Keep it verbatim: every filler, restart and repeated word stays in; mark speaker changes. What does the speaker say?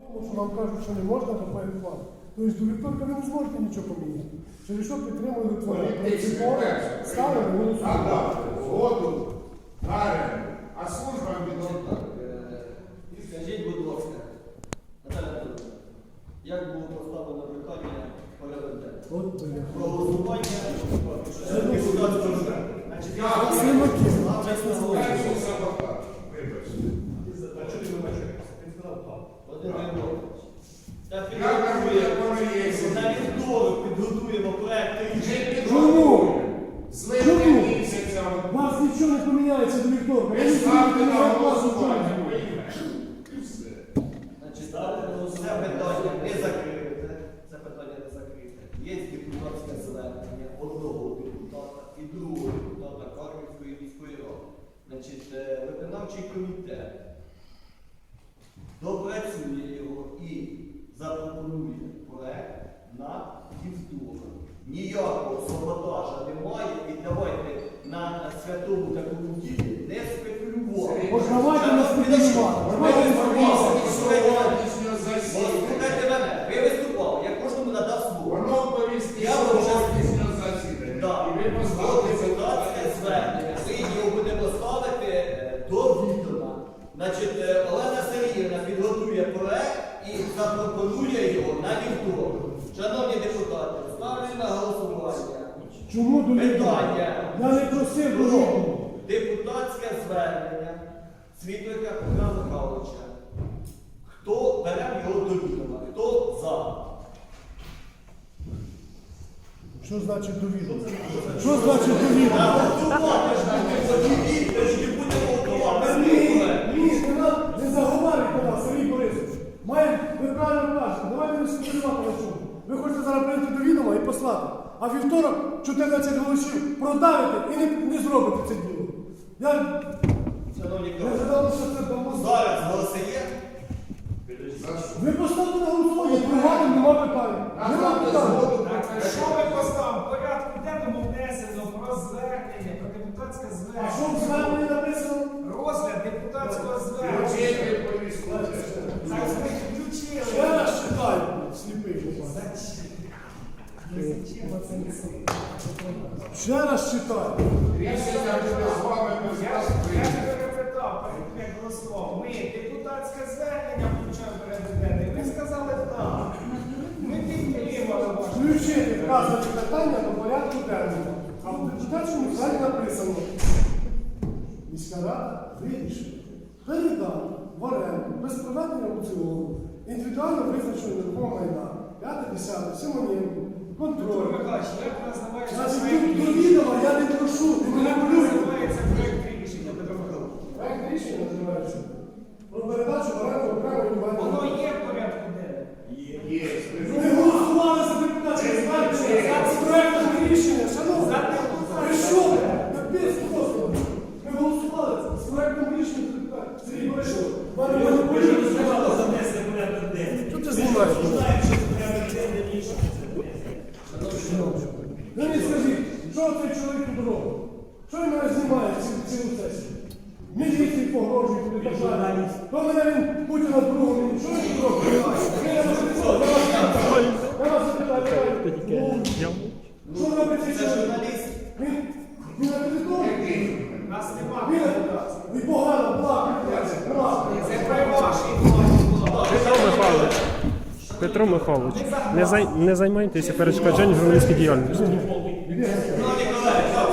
Speaker 1: Тому що нам кажуть, що не можна, то перехват. Тобто до вівторка ви не зможете нічого поміняти. Через що підтримує Литвина? Принципово ставили голосувати.
Speaker 2: Згоду, гарем, а служба відносно.
Speaker 3: Скажіть, будь ласка, Наталя Петровна, як було поставлено питання порядок денний?
Speaker 1: От, бля.
Speaker 3: Про голосування депутатського звернення. Значить, я
Speaker 1: Слимаки.
Speaker 3: чесно говорю.
Speaker 2: Перший саботаж. Вибачте.
Speaker 3: Володимир Григорович, та
Speaker 2: Я
Speaker 3: підготує,
Speaker 2: кажу, воно є.
Speaker 3: на вівторок підготуємо проект рішення.
Speaker 1: Чому?
Speaker 2: З липня місяця.
Speaker 1: У вас нічого не поміняється до вівторка.
Speaker 2: Ви
Speaker 1: Я не
Speaker 2: ставте
Speaker 1: знаю,
Speaker 2: на
Speaker 1: як вас
Speaker 2: голосування.
Speaker 1: учать.
Speaker 2: І все.
Speaker 3: Значить, це питання не закрите, це питання не закрите. Є депутатське звернення одного депутата і другого депутата Харківської міської ради. Значить, е, виконавчий комітет допрацює його і запропонує проект на вівторок. Ніякого саботажа немає і давайте на святому такому ділі не спекулювати.
Speaker 1: Ось давайте не спекулювати. Давайте не спекулювати.
Speaker 2: Сьогоднішнього засідання.
Speaker 3: Слухайте мене, ви виступали, я кожному надав слово.
Speaker 2: Воно повістки
Speaker 3: Я вам вже
Speaker 2: сьогоднішнього засідання.
Speaker 3: Так,
Speaker 2: І ви
Speaker 3: от
Speaker 2: поставите
Speaker 3: депутатське звернення. Ми його будемо ставити е, до відома. Значить, е, Олена Сергіївна підготує проект і запропонує його на вівторок. Шановні депутати, ставлю на голосування.
Speaker 1: Чому до вівторка?
Speaker 3: Питання.
Speaker 1: Я не просив до
Speaker 3: Про
Speaker 1: вівторка.
Speaker 3: депутатське звернення Світлика Петра Михайловича. Хто бере його до відома? Хто за?
Speaker 1: Що значить довідомо? Що значить довідомо?
Speaker 3: Готувати ж ми подивіться, тоді будемо готувати.
Speaker 1: Ні, ні, не нам- не заговарюйте нас, Сергій Борисович. Маємо, ви правильно кажете, давайте не спекулювати на чому. Ви хочете зараз прийти до відома і послати, а вівторок чотирнадцять голосів продавите і не, не зробите це діло. Я,
Speaker 3: Шановні
Speaker 1: я
Speaker 3: колеги,
Speaker 1: задав, що це дамо.
Speaker 3: зараз голоси є.
Speaker 2: За що?
Speaker 1: Ви поставте на голосування, пригадуємо, нема питань. Нема
Speaker 2: Назвати
Speaker 1: питань.
Speaker 2: згоду про
Speaker 4: Так,
Speaker 2: те,
Speaker 4: що ми поставимо? В порядку денному внесено про звернення, про депутатське
Speaker 1: А що в
Speaker 4: звернення.
Speaker 1: зверненні написано?
Speaker 4: Розгляд депутатського звернення.
Speaker 2: Включити повістку.
Speaker 4: Так, ми
Speaker 1: Ще
Speaker 4: включили.
Speaker 1: раз читаю, сліпий. попав. Ще раз читаю.
Speaker 2: Рішення буде з вами без
Speaker 4: Я
Speaker 2: вас
Speaker 4: ж я ж
Speaker 2: прийняти.
Speaker 4: перепитав, перед як голосував. Ми депутатське звернення включаємо в порядок денний. Ви сказали так. Ми підтримали ваше.
Speaker 1: Включити вказані питання до порядку денного. А в депутатському залі написано. Міська рада вирішила передати в оренду без проведення аукціону індивідуально визначеного нерухомого майна п'яте, десяте, Симоненко,
Speaker 4: Петро
Speaker 1: контроль.
Speaker 4: Михайлович, як називається
Speaker 1: Значить,
Speaker 4: проект
Speaker 1: тут до
Speaker 4: рішення?
Speaker 1: відома я не прошу, ти мене
Speaker 4: Як
Speaker 1: маніпулюєш.
Speaker 4: називається проект рішення, Петро Михайлович?
Speaker 1: Проект рішення називається про передачу в оренду окремої
Speaker 4: Воно
Speaker 1: інвалідної.
Speaker 4: є в порядку денному?
Speaker 2: Є.
Speaker 1: Ми голосували за депутатське звернення, за проектом рішення, шановні.
Speaker 4: За депутатське.
Speaker 1: Ви що? Капець, Господи. Ми голосували з проектом рішення за депутатське. Сергій Борисович, мене маніпулюють. Що ти знімаєш? Ви мені скажіть, що цей чоловік тут робить? Що він мене знімає ці- цілу сесію? Міліції погрожують і так далі. То мене він Путіна другого. Що він тут робить? Я вас запитаю, я вас запитаю. Я вас запитаю. Ну, що робить цей
Speaker 3: Це
Speaker 1: чоловік?
Speaker 3: журналіст.
Speaker 1: Він, він на території.
Speaker 4: Нас нема
Speaker 1: Він,
Speaker 4: депутатського.
Speaker 1: він погано плакає. Плакає.
Speaker 4: Це при вашій владі.
Speaker 5: Петро Михайлович, Петро Михайлович, не, зай, не займайтеся перешкоджанням журналістській діяльності.
Speaker 3: Шановні колеги,